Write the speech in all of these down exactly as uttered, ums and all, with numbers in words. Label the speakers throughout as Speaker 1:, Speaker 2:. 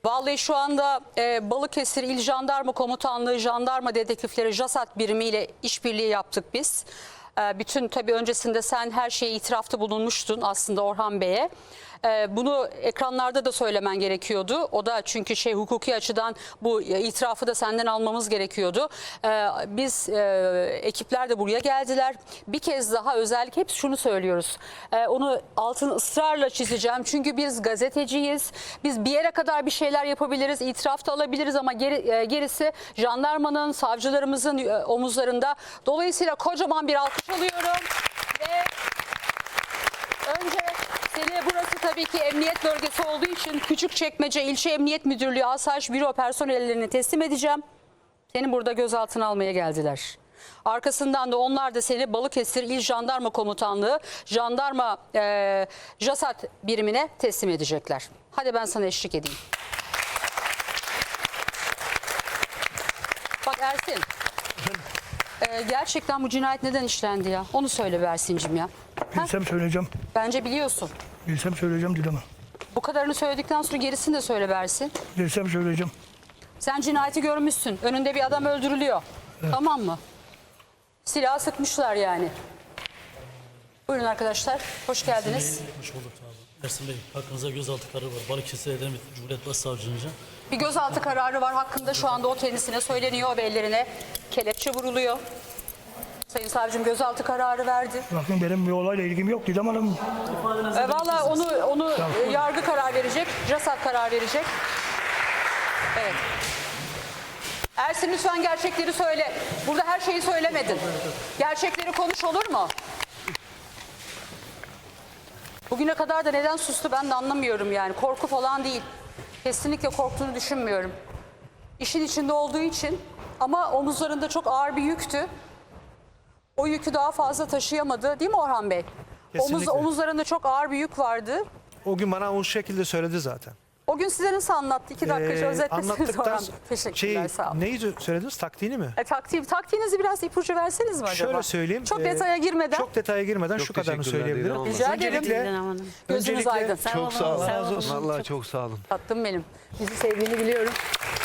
Speaker 1: Vallahi şu anda e, Balıkesir İl Jandarma Komutanlığı Jandarma Dedektifleri JASAT birimiyle işbirliği yaptık biz. E, bütün tabii öncesinde sen her şeye itirafta bulunmuştun aslında Orhan Bey'e. E, bunu ekranlarda da söylemen gerekiyordu. O da çünkü şey hukuki açıdan bu itirafı da senden almamız gerekiyordu. E, biz e, ekipler de buraya geldiler. Bir kez daha özellikle hep şunu söylüyoruz. E, onu altını ısrarla çizeceğim. Çünkü biz gazeteciyiz. Biz bir yere kadar bir şeyler yapabiliriz. İtiraf da alabiliriz ama geri, e, gerisi jandarmanın, savcılarımızın e, omuzlarında. Dolayısıyla kocaman bir alkış alıyorum. Ve önce seni burası tabii ki emniyet bölgesi olduğu için Küçükçekmece İlçe Emniyet Müdürlüğü Asayiş Büro personellerine teslim edeceğim. Seni burada gözaltına almaya geldiler. Arkasından da onlar da seni Balıkesir İl Jandarma Komutanlığı Jandarma e, JASAT birimine teslim edecekler. Hadi ben sana eşlik edeyim. Bak Ersin. e, gerçekten bu cinayet neden işlendi ya? Onu söyle be Ersin'cim ya. Ha?
Speaker 2: Bilsem söyleyeceğim.
Speaker 1: Bence biliyorsun.
Speaker 2: Bilsem söyleyeceğim Didem Hanım.
Speaker 1: Bu kadarını söyledikten sonra gerisini de söyle Bersin.
Speaker 2: Bilsem söyleyeceğim.
Speaker 1: Sen cinayeti görmüşsün. Önünde bir adam öldürülüyor. Evet. Tamam mı? Silah sıkmışlar yani. Buyurun arkadaşlar. Hoş geldiniz.
Speaker 3: Hoş bulduk abi. Ersin Bey, hakkınızda gözaltı kararı var. Balıkesir Edremit Cumhuriyet Başsavcılığınca.
Speaker 1: Bir gözaltı kararı var. Hakkında şu anda o kendisine söyleniyor ve ellerine kelepçe vuruluyor. Sayın savcım gözaltı kararı verdi.
Speaker 2: Bakın benim bir olayla ilgim yok Didem Hanım.
Speaker 1: E, Valla onu, onu e, yargı karar verecek. JASAT karar verecek. Evet. Ersin lütfen gerçekleri söyle. Burada her şeyi söylemedin. Gerçekleri konuş, olur mu? Bugüne kadar da neden sustu ben de anlamıyorum yani. Korku falan değil. Kesinlikle korktuğunu düşünmüyorum. İşin içinde olduğu için ama omuzlarında çok ağır bir yüktü. O yükü daha fazla taşıyamadı değil mi Orhan Bey? Omuz,
Speaker 4: Kesinlikle.
Speaker 1: omuzlarında çok ağır bir yük vardı.
Speaker 4: O gün bana o şekilde söyledi zaten.
Speaker 1: O gün size nasıl anlattı? İki dakika
Speaker 4: Ee,
Speaker 1: özetlesiniz
Speaker 4: anlattıktan
Speaker 1: Orhan Bey. Teşekkürler,
Speaker 4: şey,
Speaker 1: sağ olun.
Speaker 4: neyi söylediniz? Taktiğini mi?
Speaker 1: E, taktiği, taktiğinizi biraz ipucu verseniz mi acaba?
Speaker 4: Şöyle söyleyeyim.
Speaker 1: Çok
Speaker 4: e,
Speaker 1: detaya girmeden.
Speaker 4: Çok detaya girmeden
Speaker 5: Çok
Speaker 4: şu kadarını
Speaker 5: teşekkürler
Speaker 4: söyleyebilirim.
Speaker 5: Didem Hanım.
Speaker 1: Rica ederim.
Speaker 4: Öncelikle,
Speaker 1: Gözünüz
Speaker 4: öncelikle
Speaker 1: aydın.
Speaker 5: Çok sağ olun.
Speaker 4: razı olsun.
Speaker 5: Vallahi çok sağ olun.
Speaker 1: Tatlım benim. Bizi sevdiğini biliyorum.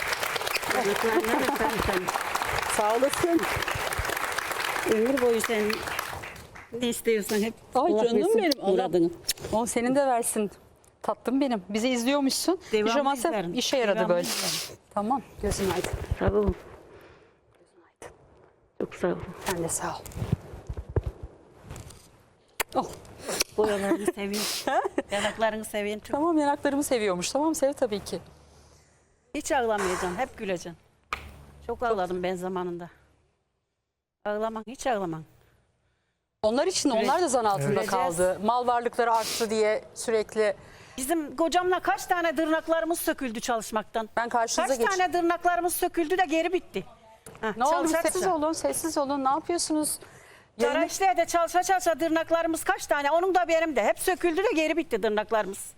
Speaker 1: Sağ olasın.
Speaker 6: Ömür boyu sen ne istiyorsan hep
Speaker 1: Ay
Speaker 6: Allah
Speaker 1: canım
Speaker 6: versin
Speaker 1: benim. Allah-
Speaker 6: muradını.
Speaker 1: O senin de versin. Tatlım benim. Bizi izliyormuşsun.
Speaker 6: Devamlı
Speaker 1: Pijamasa
Speaker 6: izlerim.
Speaker 1: işe yaradı
Speaker 6: Devamlı
Speaker 1: böyle.
Speaker 6: izlerim.
Speaker 1: Tamam. Gözün aydın.
Speaker 6: Sağ olun. Çok sağ olun.
Speaker 1: Sen de sağ ol. Oh.
Speaker 6: Boyalarını seviyorum. Yanaklarını seviyorum. Çok-
Speaker 1: Tamam, yanaklarımı seviyormuş. Tamam, sev tabii ki.
Speaker 6: Hiç ağlamayacaksın. Hep güleceksin. Çok ağladım ben zamanında. Ağlaman, hiç ağlaman.
Speaker 1: Onlar için onlar da zan altında
Speaker 6: Evet.
Speaker 1: kaldı. Mal varlıkları arttı diye sürekli.
Speaker 6: Bizim kocamla kaç tane tırnaklarımız söküldü çalışmaktan.
Speaker 1: Ben karşınıza
Speaker 6: Kaç
Speaker 1: geç.
Speaker 6: tane tırnaklarımız söküldü de geri bitti. Heh,
Speaker 1: Ne oldu?
Speaker 6: çalışa
Speaker 1: Sessiz
Speaker 6: çalışa.
Speaker 1: olun, sessiz olun. Ne yapıyorsunuz? Yayını-
Speaker 6: Garajda de çalışa çalışa tırnaklarımız kaç tane? Onun da benim de. Hep söküldü de geri bitti tırnaklarımız.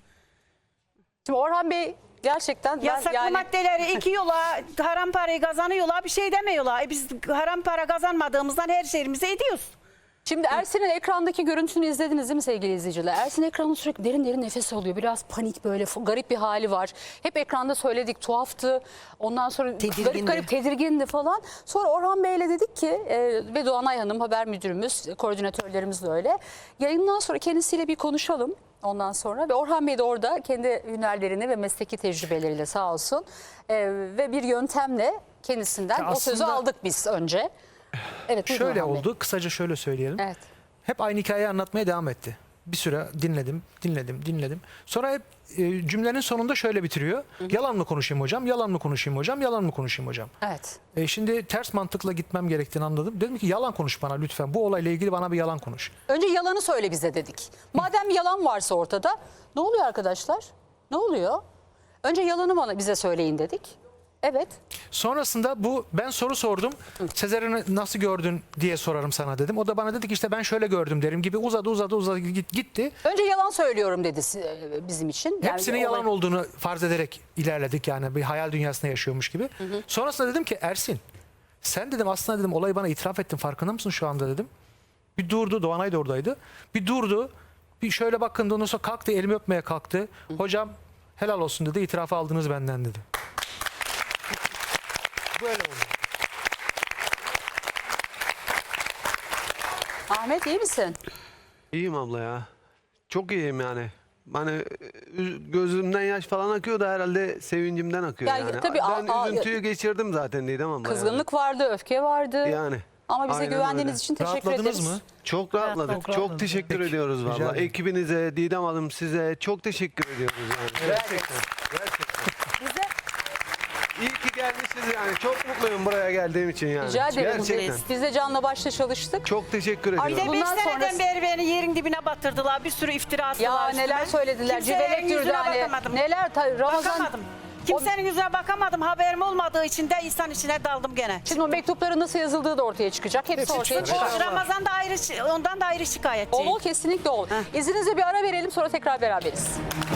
Speaker 1: Şimdi Orhan Bey gerçekten ben
Speaker 6: Yasaklı
Speaker 1: yani
Speaker 6: maddeleri iki yola haram parayı kazanıyorlar, bir şey demiyorlar. E biz haram para kazanmadığımızdan her şeyimizi ediyoruz.
Speaker 1: şimdi Ersin'in ekrandaki görüntüsünü izlediniz değil mi sevgili izleyiciler? Ersin ekranda sürekli derin derin nefes alıyor. Biraz panik böyle f- garip bir hali var. Hep ekranda söyledik, tuhaftı. Ondan sonra garip garip tedirgindi falan. Sonra Orhan Bey'le dedik ki e, ve Doğanay Hanım haber müdürümüz, koordinatörlerimiz de öyle. Yayından sonra kendisiyle bir konuşalım. Ondan sonra ve Orhan Bey de orada kendi hünerlerini ve mesleki tecrübeleriyle sağ olsun e, ve bir yöntemle kendisinden
Speaker 4: Ya
Speaker 1: o sözü
Speaker 4: aslında-
Speaker 1: aldık biz önce. Evet, buyurun
Speaker 4: Şöyle
Speaker 1: Orhan Bey.
Speaker 4: oldu. Kısaca şöyle söyleyelim.
Speaker 1: Evet.
Speaker 4: Hep aynı hikayeyi anlatmaya devam etti. Bir süre dinledim, dinledim, dinledim. Sonra hep e, cümlenin sonunda şöyle bitiriyor. Yalan mı konuşayım hocam, yalan mı konuşayım hocam, yalan mı konuşayım hocam.
Speaker 1: Evet.
Speaker 4: E, şimdi ters mantıkla gitmem gerektiğini anladım. Dedim ki yalan konuş bana lütfen. Bu olayla ilgili bana bir yalan konuş.
Speaker 1: Önce yalanı söyle bize dedik. Madem yalan varsa ortada ne oluyor arkadaşlar? Ne oluyor? Önce yalanı bana bize söyleyin dedik. Evet.
Speaker 4: Sonrasında bu ben soru sordum. Sezer'i nasıl gördün diye sorarım sana dedim. O da bana dedi ki işte ben şöyle gördüm derim gibi uzadı uzadı uzadı git- gitti.
Speaker 1: Önce yalan söylüyorum dedi si- bizim için. Yani
Speaker 4: Hepsinin
Speaker 1: olay-
Speaker 4: yalan olduğunu farz ederek ilerledik yani bir hayal dünyasında yaşıyormuş gibi. Sonrasında dedim ki Ersin sen dedim aslında dedim olayı bana itiraf ettin farkında mısın şu anda dedim. Bir durdu, Doğanay da oradaydı. Bir durdu. Bir şöyle bakındı ondan sonra kalktı elimi öpmeye kalktı. Hocam Helal olsun dedi. İtirafı aldınız benden dedi. Böyle oldu.
Speaker 1: Ahmet iyi misin?
Speaker 5: İyiyim abla ya. Çok iyiyim yani. Hani üz- gözümden yaş falan akıyor da herhalde sevincimden akıyor
Speaker 1: Ya,
Speaker 5: yani.
Speaker 1: tabii,
Speaker 5: ben
Speaker 1: a- a-
Speaker 5: üzüntüyü geçirdim zaten Didem abla.
Speaker 1: Kızgınlık vardı, öfke vardı.
Speaker 5: yani. yani.
Speaker 1: Ama bize
Speaker 5: Aynen
Speaker 1: güvendiğiniz
Speaker 5: öyle.
Speaker 1: için teşekkür
Speaker 4: Rahatladınız
Speaker 1: ederiz.
Speaker 4: mı?
Speaker 5: Çok rahatladık.
Speaker 6: Rahatladık.
Speaker 5: Çok teşekkür
Speaker 4: Peki,
Speaker 5: ediyoruz
Speaker 4: rica
Speaker 5: valla.
Speaker 4: ederim.
Speaker 5: Ekibinize, Didem Hanım size çok teşekkür ediyoruz yani. Gerçekten. Gerçekten.
Speaker 6: Bize
Speaker 5: İyi ki gelmişiz yani. Çok mutluyum buraya geldiğim için yani.
Speaker 1: Rica ederim.
Speaker 5: Gerçekten.
Speaker 1: Biz de canla başla çalıştık.
Speaker 5: Çok teşekkür
Speaker 6: bir
Speaker 5: ediyorum.
Speaker 6: de beş
Speaker 1: Bundan
Speaker 6: seneden
Speaker 1: sonrası-
Speaker 6: beri beni yerin dibine batırdılar. Bir sürü iftira attılar
Speaker 1: Ya
Speaker 6: üstüme.
Speaker 1: neler söylediler.
Speaker 6: Kimsenin
Speaker 1: Civelek
Speaker 6: yüzüne
Speaker 1: Dürdane.
Speaker 6: bakamadım.
Speaker 1: Neler ta- Ramazan.
Speaker 6: Bakamadım. Kimsenin yüzüne bakamadım. Haberim olmadığı için de insan içine daldım gene.
Speaker 1: Şimdi o mektupların nasıl yazıldığı da ortaya çıkacak. Hepsi ortaya
Speaker 6: O
Speaker 1: çıkacak.
Speaker 6: Ramazan da ayrı, ondan da ayrı şikayetçiyim.
Speaker 1: Ol ol kesinlikle ol. İzninizle bir ara verelim sonra tekrar beraberiz.